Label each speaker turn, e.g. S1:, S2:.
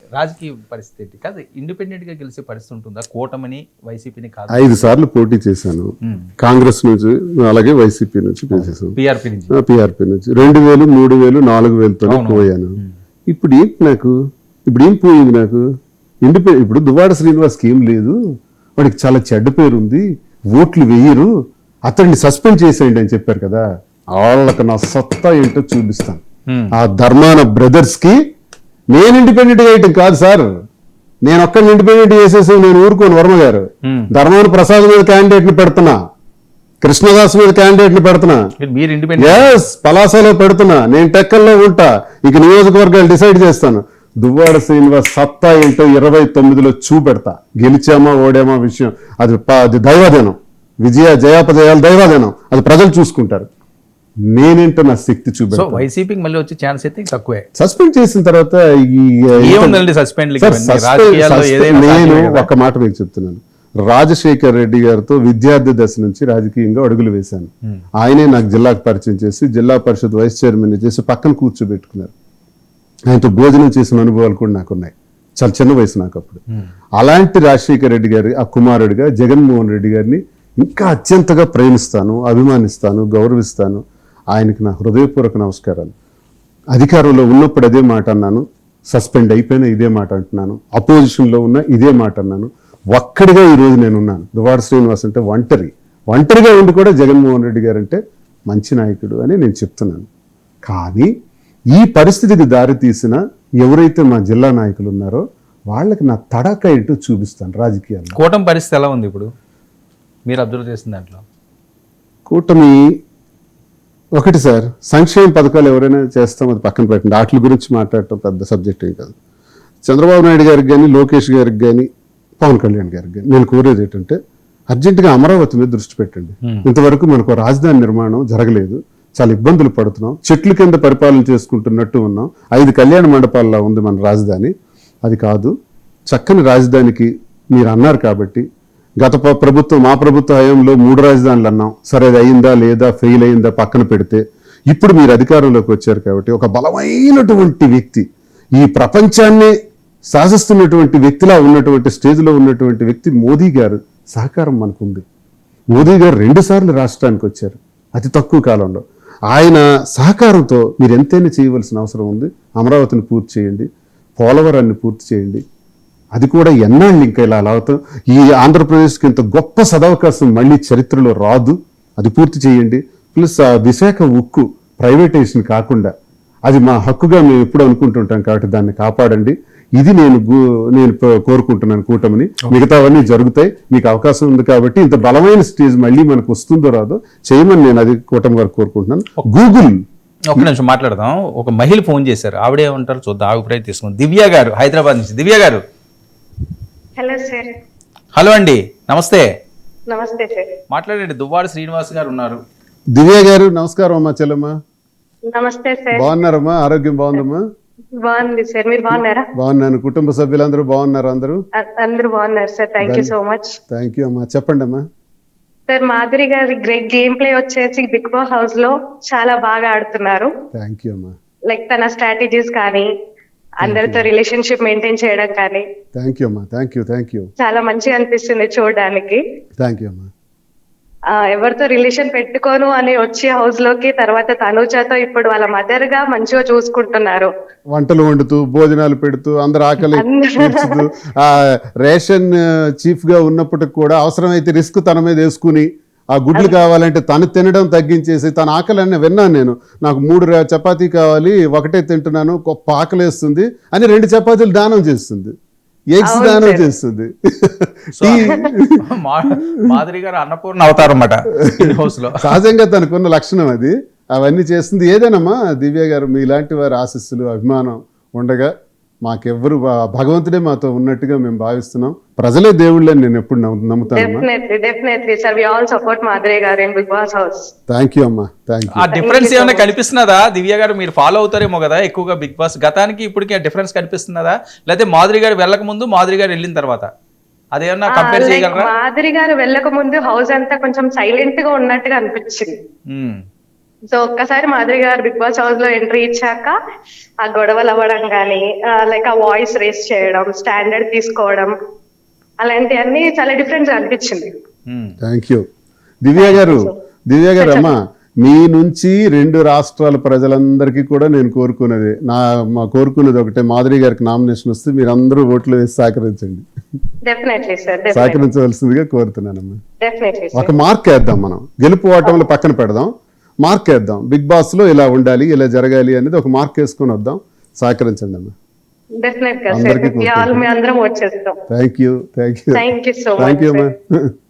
S1: రాజకీయ పరిస్థితి కాదు, ఇండిపెండెంట్ గా గెలిచే పరిస్థితి ఉంటుందా? కూటమిని వైసీపీని కాదు.
S2: 5 సార్లు పోటీ చేశాను, కాంగ్రెస్ నుంచి అలాగే వైసీపీ నుంచి చేశాను,
S1: పిఆర్పీ నుంచి
S2: 2000, 3000, 4000తో పోయాను. ఇప్పుడు ఏంటి నాకు, ఇప్పుడు ఏం పోయింది నాకు? ఇప్పుడు దువ్వాడ శ్రీనివాస్కి ఏం లేదు, వాడికి చాలా చెడ్డ పేరు ఉంది, ఓట్లు వేయరు, అతన్ని సస్పెండ్ చేసేయండి అని చెప్పారు కదా. వాళ్ళకి నా సత్తా ఏంటో చూపిస్తాను. ఆ ధర్మాన బ్రదర్స్ కి నేను ఇండిపెండెంట్ గా వేయటం కాదు సార్, నేను ఒక్కడిని ఇండిపెండెంట్ చేసేసి నేను ఊరుకోను. వర్మ గారు ధర్మాన ప్రసాద్ మీద క్యాండిడేట్ ని పెడుతున్నా, కృష్ణదాస్ మీద క్యాండిడేట్ ని పెడుతున్నా,
S1: మీరు ఇండిపెండెంట్
S2: పలాసలో పెడుతున్నా, నేను టెక్కల్లో ఉంటా, ఇక నియోజకవర్గాలు డిసైడ్ చేస్తాను. దువ్వాడ శ్రీనివాస్ సత్తా ఏంటో 29లో చూపెడతా. గెలిచామా ఓడామా విషయం అది దైవాధీనం, జయాపజయాలు దైవాధీనం, అది ప్రజలు చూసుకుంటారు. నేనేంటో నా శక్తి చూపెడతా.
S1: వైసీపీకి మళ్ళీ వచ్చే ఛాన్స్ అయితే తక్కువే.
S2: సస్పెండ్ చేసిన తర్వాత నేను ఒక మాట మీకు చెప్తున్నాను, రాజశేఖర్ రెడ్డి గారితో విద్యార్థి దశ నుంచి రాజకీయంగా అడుగులు వేశాను. ఆయనే నాకు జిల్లాకు పరిచయం చేసి జిల్లా పరిషత్ వైస్ చైర్మన్ చేసి పక్కన కూర్చోబెట్టుకున్నారు. ఆయనతో భోజనం చేసిన అనుభవాలు కూడా నాకున్నాయి, చాలా చిన్న వయసు నాకు అప్పుడు. అలాంటి రాజశేఖర్ రెడ్డి గారి ఆ కుమారుడిగా జగన్మోహన్ రెడ్డి గారిని ఇంకా అత్యంతగా ప్రేమిస్తాను, అభిమానిస్తాను, గౌరవిస్తాను. ఆయనకి నా హృదయపూర్వక నమస్కారాలు. అధికారంలో ఉన్నప్పుడు అదే మాట అన్నాను, సస్పెండ్ అయిపోయినా ఇదే మాట అంటున్నాను, అపోజిషన్లో ఉన్న ఇదే మాట అన్నాను. ఒక్కడిగా ఈరోజు నేనున్నాను. దువ్వాడ శ్రీనివాస్ అంటే ఒంటరిగా ఉండి కూడా జగన్మోహన్ రెడ్డి గారు అంటే మంచి నాయకుడు అని నేను చెప్తున్నాను. కానీ ఈ పరిస్థితికి దారి తీసిన ఎవరైతే మా జిల్లా నాయకులు ఉన్నారో వాళ్ళకి నా తడాక ఏంటో చూపిస్తాను రాజకీయాల్లో.
S1: కూటమి పరిస్థితి ఎలా ఉంది ఇప్పుడు మీరు అబ్జర్వ్ చేసిన దాంట్లో?
S2: కూటమి ఒకటి సార్, సంక్షేమ పథకాలు ఎవరైనా చేస్తాం, అది పక్కన పెట్టండి, వాటి గురించి మాట్లాడటం పెద్ద సబ్జెక్ట్ ఏం కాదు. చంద్రబాబు నాయుడు గారికి కానీ, లోకేష్ గారికి కానీ, పవన్ కళ్యాణ్ గారికి కానీ నేను కోరేది ఏంటంటే అర్జెంటుగా అమరావతి మీద దృష్టి పెట్టండి. ఇంతవరకు మనకు రాజధాని నిర్మాణం జరగలేదు, చాలా ఇబ్బందులు పడుతున్నాం, చెట్ల కింద పరిపాలన చేసుకుంటున్నట్టు ఉన్నాం. 5 కళ్యాణ మండపాల్లో ఉంది మన రాజధాని. అది కాదు, చక్కని రాజధానికి మీరు అన్నారు కాబట్టి గత ప్రభుత్వం మా ప్రభుత్వ హయాంలో 3 రాజధానులు అన్నాం. సరే అది అయిందా లేదా, ఫెయిల్ అయిందా పక్కన పెడితే, ఇప్పుడు మీరు అధికారంలోకి వచ్చారు కాబట్టి ఒక బలమైనటువంటి వ్యక్తి, ఈ ప్రపంచాన్ని శాసిస్తున్నటువంటి వ్యక్తిలా ఉన్నటువంటి స్టేజ్లో ఉన్నటువంటి వ్యక్తి మోదీ గారు సహకారం మనకుంది. మోదీ గారు 2 సార్లు రాష్ట్రానికి వచ్చారు అతి తక్కువ కాలంలో. ఆయన సహకారంతో మీరు ఎంతైనా చేయవలసిన అవసరం ఉంది. అమరావతిని పూర్తి చేయండి, పోలవరాన్ని పూర్తి చేయండి. అది కూడా ఎన్నాళ్ళు ఇంకా ఇలా అవుతాం. ఈ ఆంధ్రప్రదేశ్కి ఇంత గొప్ప సదవకాశం మళ్ళీ చరిత్రలో రాదు. అది పూర్తి చేయండి. ప్లస్ ఆ విశాఖ ఉక్కు ప్రైవేటైజేషన్ కాకుండా అది మా హక్కుగా మేము ఎప్పుడు అనుకుంటుంటాం కాబట్టి దాన్ని కాపాడండి. ఇది నేను కోరుకుంటున్నాను కూటమిని. మిగతావన్నీ జరుగుతాయి, మీకు అవకాశం ఉంది కాబట్టి ఇంత బలమైన స్టేజ్ మళ్ళీ మనకు వస్తుందో రాదో చేయమని నేను అది కూటమి వారికి కోరుకుంటున్నాను. గూగుల్
S1: ఒక నిమిషం మాట్లాడదాం. ఒక మహిళ ఫోన్ చేశారు, ఆవిడే ఉంటారు చూద్దాం, అభిప్రాయం తీసుకుందాం. దివ్య గారు హైదరాబాద్ నుంచి. దివ్య గారు.
S3: Hello sir.
S1: హలో అండి, నమస్తే.
S3: నమస్తే సార్.
S1: మాట్లాడండి. దువ్వాడ శ్రీనివాస్ గారు ఉన్నారు.
S2: దివ్య గారు నమస్కారం అమ్మా. చెల్లమ్మా
S3: నమస్తే సార్.
S2: బాగున్నారమ్మా? ఆరోగ్యం బాగుందమ్మా?
S3: బాగుంది సార్, మీరు బాగున్నారా?
S2: బాగున్నాను. కుటుంబ సభ్యులందరూ బాగున్నారు? అందరూ
S3: బాగున్నారు sir. Thank you so much.
S2: Thank you అమ్మా. చెప్పండి అమ్మా.
S3: సార్, మాధురి గారి గ్రేట్ గేమ్ ప్లే వచ్చేసి బిగ్ బాస్ హౌస్ లో చాలా బాగా ఆడుతున్నారు.
S2: థ్యాంక్ యూ అమ్మా.
S3: లైక్ తన స్ట్రాటజీస్ కానీ, అందరితో రిలేషన్షిప్ మెయింటైన్ చేయడం కానీ.
S2: థ్యాంక్ యూ అమ్మా. Thank you.
S3: చాలా మంచిగా అనిపిస్తుంది చూడడానికి.
S2: థ్యాంక్ యూ అమ్మా.
S3: ఎవరితో రిలేషన్ పెట్టుకోను అని వచ్చి హౌస్ లోకి, తర్వాత తనుజతో ఇప్పుడు వాళ్ళ మదర్ గా మంచిగా చూసుకుంటున్నారు.
S2: వంటలు వండుతూ, భోజనాలు పెడుతూ, అందరు ఆకలి తీర్చుతూ, రేషన్ చీఫ్ గా ఉన్నప్పటికి కూడా అవసరమైతే రిస్క్ తన మీద వేసుకుని ఆ గుడ్లు కావాలంటే తను తినడం తగ్గించేసి తన ఆకలి అని విన్నాను నేను. నాకు 3 చపాతీ కావాలి, ఒకటే తింటున్నాను, గొప్ప ఆకలి వేస్తుంది అని 2 చపాతీలు దానం చేస్తుంది, ఎగ్స్ దానం చేస్తుంది.
S1: మాధురి గారు అన్నపూర్ణ అవతారం అన్నమాట హౌస్ లో.
S2: సహజంగా తనకున్న లక్షణం అది. అవన్నీ చేస్తుంది. ఏదేనమ్మా దివ్య గారు, మీలాంటి వారి ఆశీస్సులు, అభిమానం ఉండగా మాకెవ్వరు, భగవంతుడే మాతో ఉన్నట్టుగా మేము భావిస్తున్నాం. ప్రజలే దేవుళ్ళని నేను ఎప్పుడు నమ్ముతాను. థ్యాంక్ యూ అమ్మా. Thank you.
S1: ఆ డిఫరెన్స్ ఏమైనా కనిపిస్తున్నదా దివ్య గారు? మీరు ఫాలో అవుతారేమో కదా ఎక్కువగా బిగ్ బాస్, గతానికి ఇప్పటికి ఆ డిఫరెన్స్ కనిపిస్తున్నదా? లేకపోతే మాధురి గారు వెళ్ళక ముందు, మాధురి గారు వెళ్ళిన తర్వాత అదేమన్నా కంపేర్ చేయగలరా?
S3: మాధురి గారు వెళ్ళక ముందు హౌస్ అంతా కొంచెం సైలెంట్ గా ఉన్నట్టుగా అనిపించింది. సో ఒక్కసారి మాధురి గారు బిగ్ బాస్ హౌస్ లో ఎంట్రీ ఇచ్చాక ఆ గొడవలు అవ్వడం కానీ లైక్ ఆ వాయిస్ రేస్ చేయడం, స్టాండర్డ్ తీసుకోవడం, అలాంటివన్నీ చాలా డిఫరెంట్ గా అనిపించింది.
S2: థ్యాంక్ యూ దివ్య గారు అమ్మా, మీ నుంచి 2 రాష్ట్రాల ప్రజలందరికీ కూడా నేను కోరుకునేది కోరుకునేది ఒకటే, మాధురి గారికి నామినేషన్ వస్తే మీరు అందరూ ఓట్లు వేసి సహకరించండి,
S3: డెఫినెట్లీ సార్,
S2: సహకరించవలసిందిగా కోరుతున్నానమ్మా.
S3: డెఫినెట్లీ
S2: ఒక మార్క్ వేద్దాం, మనం గెలుపు ఓటములు పక్కన పెడదాం, మార్క్ వేద్దాం. బిగ్ బాస్ లో ఇలా ఉండాలి, ఇలా జరగాలి అనేది ఒక మార్క్ వేసుకొని వద్దాం. సహకరించండి అమ్మా.
S3: డెఫినెట్ గా సార్, మీ అందరం వచ్చేస్తాం.
S2: Thank you
S3: thank you so much.
S2: అమ్మా.